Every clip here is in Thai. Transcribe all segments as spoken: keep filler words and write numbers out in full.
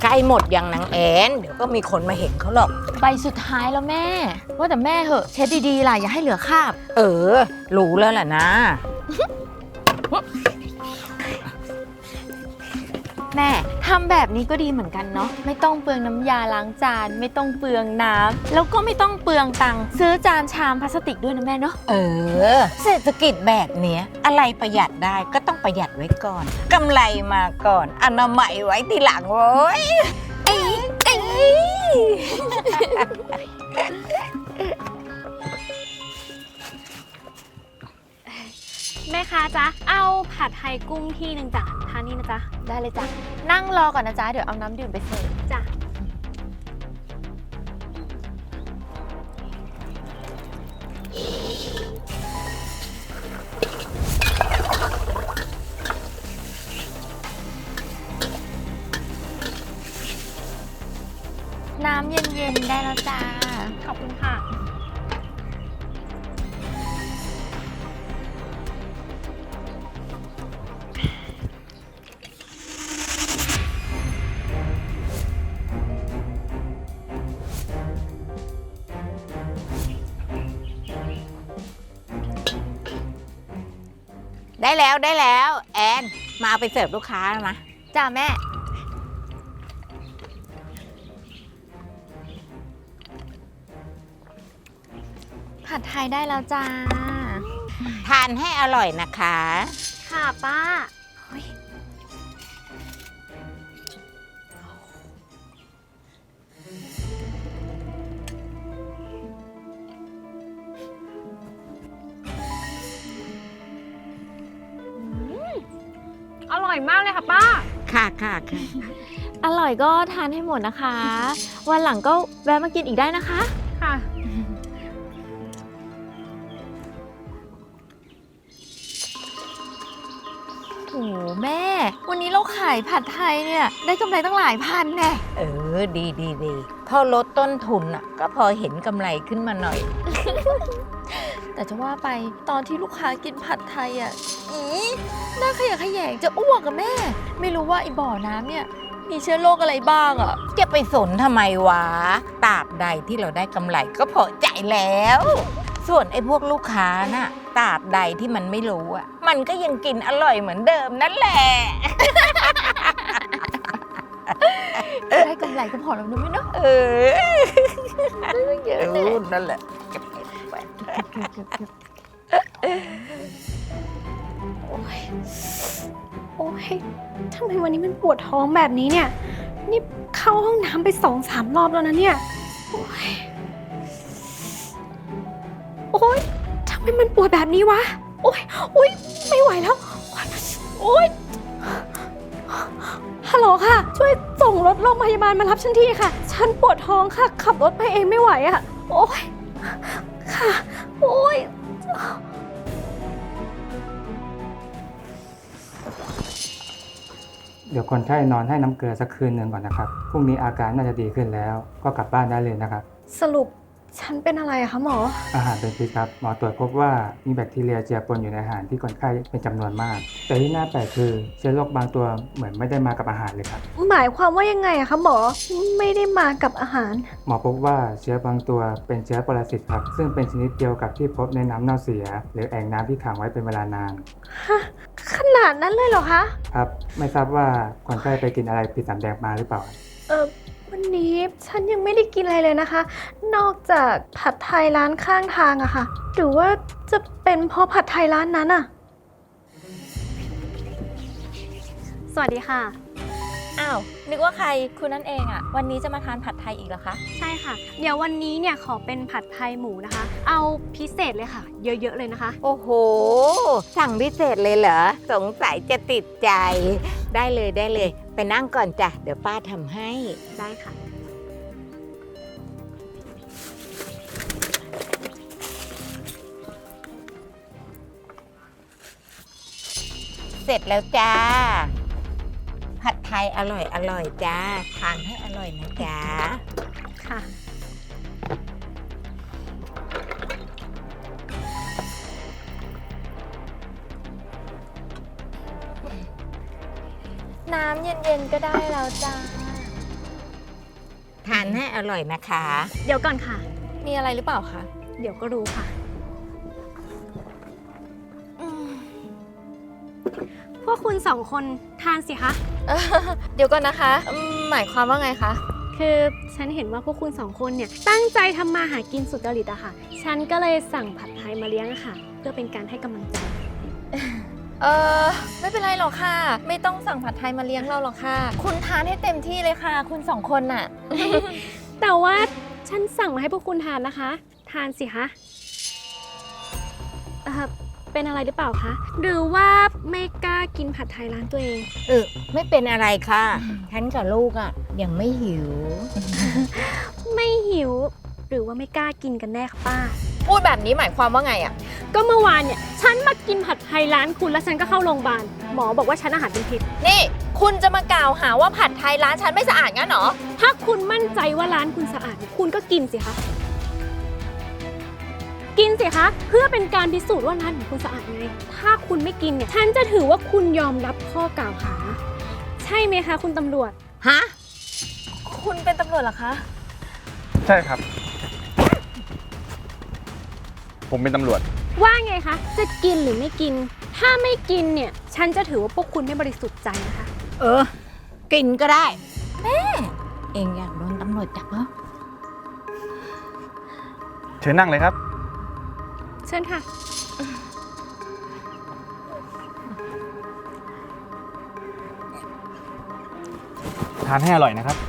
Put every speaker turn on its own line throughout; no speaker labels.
ใกล้หมดยังนางแอนเดี๋ยวก็มีคนมาเห็นเขาหรอก
ใบสุดท้ายแล้วแม่ว่าแต่แม่เหอะเช็ดดีๆล่ะอย่าให้เหลือคราบ
เออรู้แล้วแหละนะ
แม่ทำแบบนี้ก็ดีเหมือนกันเนาะไม่ต้องเปลืองน้ำยาล้างจานไม่ต้องเปลืองน้ำแล้วก็ไม่ต้องเปลืองตังค์ซื้อจานชามพลาสติกด้วยนะแม่เนาะ
เออเศรษฐกิจแบบเนี้ยอะไรประหยัดได้ก็ต้องประหยัดไว้ก่อนกำไรมาก่อนอนามัยไว้ทีหลังโว้ยเอ้ยเอ้ย
แม่ค้าจ๊ะเอาผัดไทยกุ้งที่หนึ่งจ้ะทานนี่นะจ๊ะ
ได้เลยจ้ะนั่งรอก่อนนะจ๊ะเดี๋ยวเอาน้ำดื่มไปเสิร์ฟ
จ้ะ
น้ำเย็นๆได้แล้วจ้า
ขอบคุณค่ะ
ได้แล้วได้แล้วแอนมาเอาไปเสิร์ฟลูกค้าแล้วนะ
จ้าแม่ผัดไทยได้แล้วจ้า
ทานให้อร่อยนะคะ
ค่ะป้าอร่อยมากเลยค่ะป้า
ค่ะค่ะค่ะ
อร่อยก็ทานให้หมดนะคะ วันหลังก็แวะมากินอีกได้นะคะ
ค่ะ
โอ้แม่วันนี้เราขายผัดไทยเนี่ยได้กำไรตั้งหลายพันแน่
เออดีดีดีพอลดต้นทุนอ่ะก็พอเห็นกำไรขึ้นมาหน่อย
แต่จะว่าไปตอนที่ลูกค้ากินผัดไทยอ่ะอีน่าขยะแขยงจะอ้วกกับแม่ไม่รู้ว่าไอ้บ่อน้ำเนี่ยมีเชื้อโรคอะไรบ้างอ่ะ
จะไปสนทำไมวะตราบใดที่เราได้กำไรก็พอใจแล้วส่วนไอ้พวกลูกค้าน่ะตราบใดที่มันไม่รู้อ่ะมันก็ยังกินอร่อยเหมือนเดิมนั่นแหละ
ได้กำไรก็พอแล้วนะแม่เนาะ
เออได้เยอะเลยนั่นแหละ
โอ้ยโอ้ยทำไมวันนี้มันปวดท้องแบบนี้เนี่ยนี่เข้าห้องน้ำไปสองสามรอบแล้วนะเนี่ยโอ้ยโอ้ยทำไมมันปวดแบบนี้วะโอ้ยโอ้ยไม่ไหวแล้วโอ้ยฮัลโหลค่ะช่วยส่งรถโรงพยาบาลมารับฉันทีค่ะฉันปวดท้องค่ะขับรถไปเองไม่ไหวอะโอ้ยค่ะโอ้ย
เดี๋ยวคนไข้นอนให้น้ำเกลือสักคืนหนึ่งก่อนนะครับพรุ่งนี้อาการน่าจะดีขึ้นแล้วก็กลับบ้านได้เลยนะครับ
สรุปฉันเป็นอะไรอะคะหมอ
อาหารเป็นพิษครับหมอตรวจพบว่ามีแบคทีเรียเจือปนอยู่ในอาหารที่คนไข้เป็นจำนวนมากแต่ที่น่าแปลกคือเชื้อโรคบางตัวเหมือนไม่ได้มากับอาหารเลยครับ
หมายความว่ายังไงอะคะหมอไม่ได้มากับอาหาร
หมอพบว่าเชื้อบางตัวเป็นเชื้อปรสิตครับซึ่งเป็นชนิดเดียวกับที่พบในน้ำเน่าเสียหรือแอ่งน้ำที่ขังไว้เป็นเวลานาน
ฮะขนาดนั้นเลยเหรอคะ
ครับไม่ทราบว่าคนไข้ไปกินอะไรผิดสำแดงมาหรือเปล่า
เออวันนี้ฉันยังไม่ได้กินอะไรเลยนะคะนอกจากผัดไทยร้านข้างทางอะค่ะหรือว่าจะเป็นเพราะผัดไทยร้านนั้นอะสวัสดีค่ะ
อ้าวนึกว่าใครคุณนั่นเองอะวันนี้จะมาทานผัดไทยอีกเหรอคะ
ใช่ค่ะเดี๋ยววันนี้เนี่ยขอเป็นผัดไทยหมูนะคะเอาพิเศษเลยค่ะเยอะๆเลยนะคะ
โอ้โหสั่งพิเศษเลยเหรอสงสัยจะติดใจได้เลยได้เลยไปนั่งก่อนจ้ะเดี๋ยวป้าทำให้
ได้ค่ะ
เสร็จแล้วจ้าผัดไทยอร่อยอร่อยจ้าทานให้อร่อยนะจ้า
ค่ะ
น้ำเย็นๆก็ได้แล้วจ้า
ทานให้อร่อยนะคะ
เดี๋ยวก่อนค่ะ
มีอะไรหรือเปล่าคะ
เดี๋ยวก็รู้ค่ะ พวกคุณสองคนทานสิคะ
เอ่อเดี๋ยวก่อนนะคะอืมหมายความว่าไงคะ
คือฉันเห็นว่าพวกคุณสองคนเนี่ยตั้งใจทำมาหากินสุดจริตอะค่ะ ฉันก็เลยสั่งผัดไทยมาเลี้ยงอะค่ะ เพื่อเป็นการให้กำลังใจ
เออไม่เป็นไรหรอกค่ะ ไม่ต้องสั่งผัดไทยมาเลี้ยงเราหรอกค่ะ คุณทานให้เต็มที่เลยค่ะ คุณสองคนน่ะ
แต่ว่าฉันสั่งมาให้พวกคุณทานนะคะ ทานสิคะเอ่อเป็นอะไรหรือเปล่าคะ หรือว่าไม่กล้ากินผัดไทยร้านตัวเอง
เออไม่เป็นอะไรค่ะ ฉันกับลูกอ่ะ ยังไม่หิว
ไม่หิว หรือว่าไม่กล้ากินกันแน่คะป้า
พูดแบบนี้หมายความว่าไงอะ
ก็เมื่อวานเนี่ยฉันมากินผัดไทยร้านคุณแล้วฉันก็เข้าโรงพยาบาล หมอบอกว่าฉันอาหารเป็นพิษ
นี่ คุณจะมากล่าวหาว่าผัดไทยร้านฉันไม่สะอาดงั้นเหรอ
ถ้าคุณมั่นใจว่าร้านคุณสะอาด คุณก็กินสิคะ กินสิคะ เพื่อเป็นการพิสูจน์ว่าร้านของคุณสะอาดไง ถ้าคุณไม่กินเนี่ย ฉันจะถือว่าคุณยอมรับข้อกล่าวหา ใช่ไหมคะคุณตำรวจ
ฮะ
คุณเป็นตำรวจเหรอคะ
ใช่ครับ ผมเป็นตำรวจ
ว่าไงคะ จะกินหรือไม่กิน ถ้าไม่กินเนี่ย ฉันจะถือว่าพวกคุณไม่บริสุทธิ์ใจนะคะ
เออ กินก็ได้ แม่ เองอยากโดนตำรวจจับเหรอ
เชิญนั่งเลยครับ
เชิญค่ะ
ทานให้อร่อยนะครับ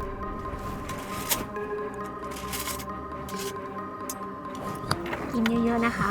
กินเยอะๆนะคะ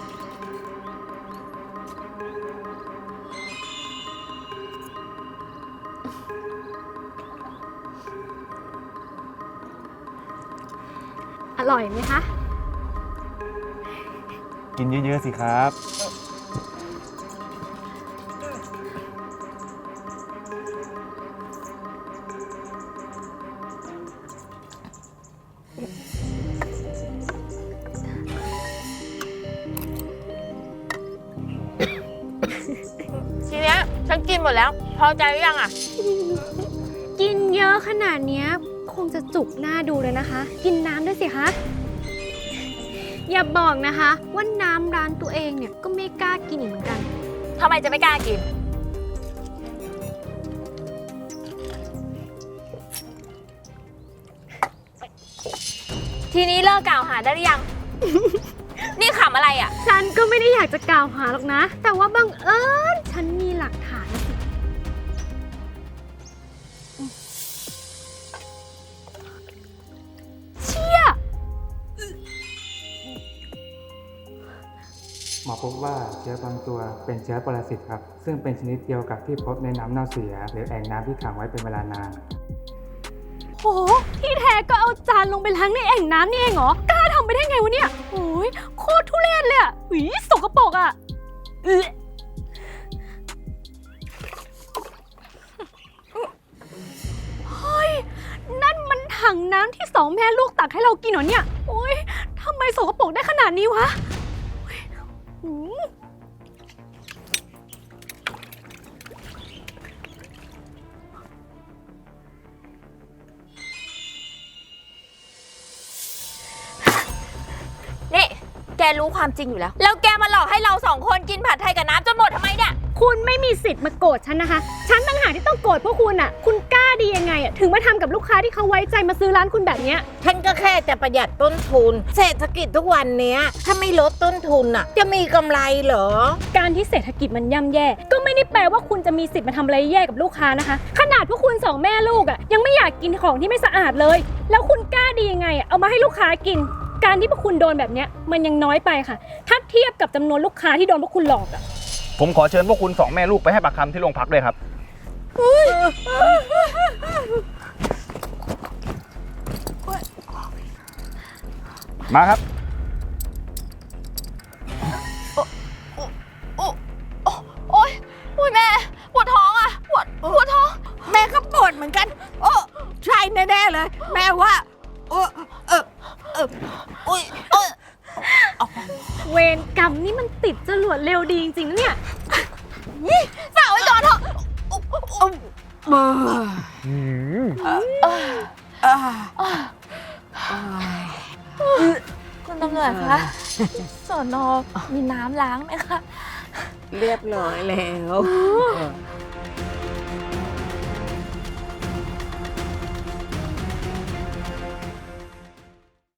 อร่อยไหมคะ
กินเยอะๆสิครับ
ทีเนี้ยฉันกินหมดแล้ว พอใจหรือยังอะ
กินเยอะขนาดเนี้ยคงจะจุกหน้าดูเลยนะคะ กินน้ำด้วยสิคะ อย่าบอกนะคะว่าน้ำร้านตัวเองเนี่ยก็ไม่กล้ากินอีกเหมือนกัน
ทำไมจะไม่กล้ากิน ทีนี้เลิกกล่าวหาได้หรือยัง นี่ขำอะไรอ่ะ
ฉันก็ไม่ได้อยากจะกล่าวหาหรอกนะ แต่ว่าบังเอิญฉันมีหลักฐานนะสิ เชี่ย
หมอพบว่าเชื้อบางตัวเป็นเชื้อปรสิตครับ ซึ่งเป็นชนิดเดียวกับที่พบในน้ำเน่าเสีย หรือแอ่งน้ำที่ขังไว้เป็นเวลานาน
โห ที่แท้ก็เอาจานลงไปล้างในแอ่งน้ำนี่เองเหรอ กล้าทำไปได้ไงวะเนี่ยโอ้ยโคตรทุเรศเลยอ่ะหุยสกปรกอ่ะเอ๊ะเฮ้ย นั่นมันถังน้ำที่สองแม่ลูกตักให้เรากินเหรอเนี่ย โอ้ยทำไมสกปรกได้ขนาดนี้วะโอ้ยหืม
นี่ แกรู้ความจริงอยู่แล้ว แล้วแกมาหลอกให้เราสองคนกินผัดไทยกับน้ำจนหมดทำไมเนี่ย
คุณไม่มีสิทธิ์มาโกรธฉันนะคะ ฉันต่างหากที่ต้องโกรธพวกคุณอ่ะ คุณกล้าดียังไงอ่ะ ถึงมาทำกับลูกค้าที่เขาไว้ใจมาซื้อร้านคุณแบบเนี้ย
ฉันก็แค่จะประหยัดต้นทุน เศรษฐกิจทุกวันเนี้ย ถ้าไม่ลดต้นทุนอ่ะ จะมีกำไรเหรอ
การที่เศรษฐกิจมันย่ำแย่ ก็ไม่ได้แปลว่าคุณจะมีสิทธิ์มาทำอะไรแย่กับลูกค้านะคะ ขนาดพวกคุณสองแม่ลูกอ่ะยังไม่อยากกินของที่ไม่สะอาดเลย แล้วคุณกล้าดียังไงอ่ะเอามาให้ลูกค้ากิน การที่พวกคุณโดนแบบเนี้ยมันยังน้อยไปค่ะ ถ้าเทียบกับจำนวนลูกค้าที่โดนพวกคุณหลอกอ่ะ
ผมขอเชิญพวกคุณสองแม่ลูกไปให้ปากคำที่โรงพักด้วยครับ มาครับ
โอ๊ยโอ๊ยแม่ ปวดท้องอ่ะ ปวด ปวดท้อง
แม่ก็ปวดเหมือนกัน โอ้ใช่แน่ๆเลย แม่ว่าโอ้เออเอออุ้ยเออ
เวรกรรมนี่มันติดจรวดเร็วดีจริงๆนะเนี่ย
ฝากไว้ก่อนเถอะ
เออ
อืม
อ่า
อ้าว
อ่า
คุณตำรวจคะสอนอมีน้ำล้างไหมคะ
เรียบร้อยแล้ว
อ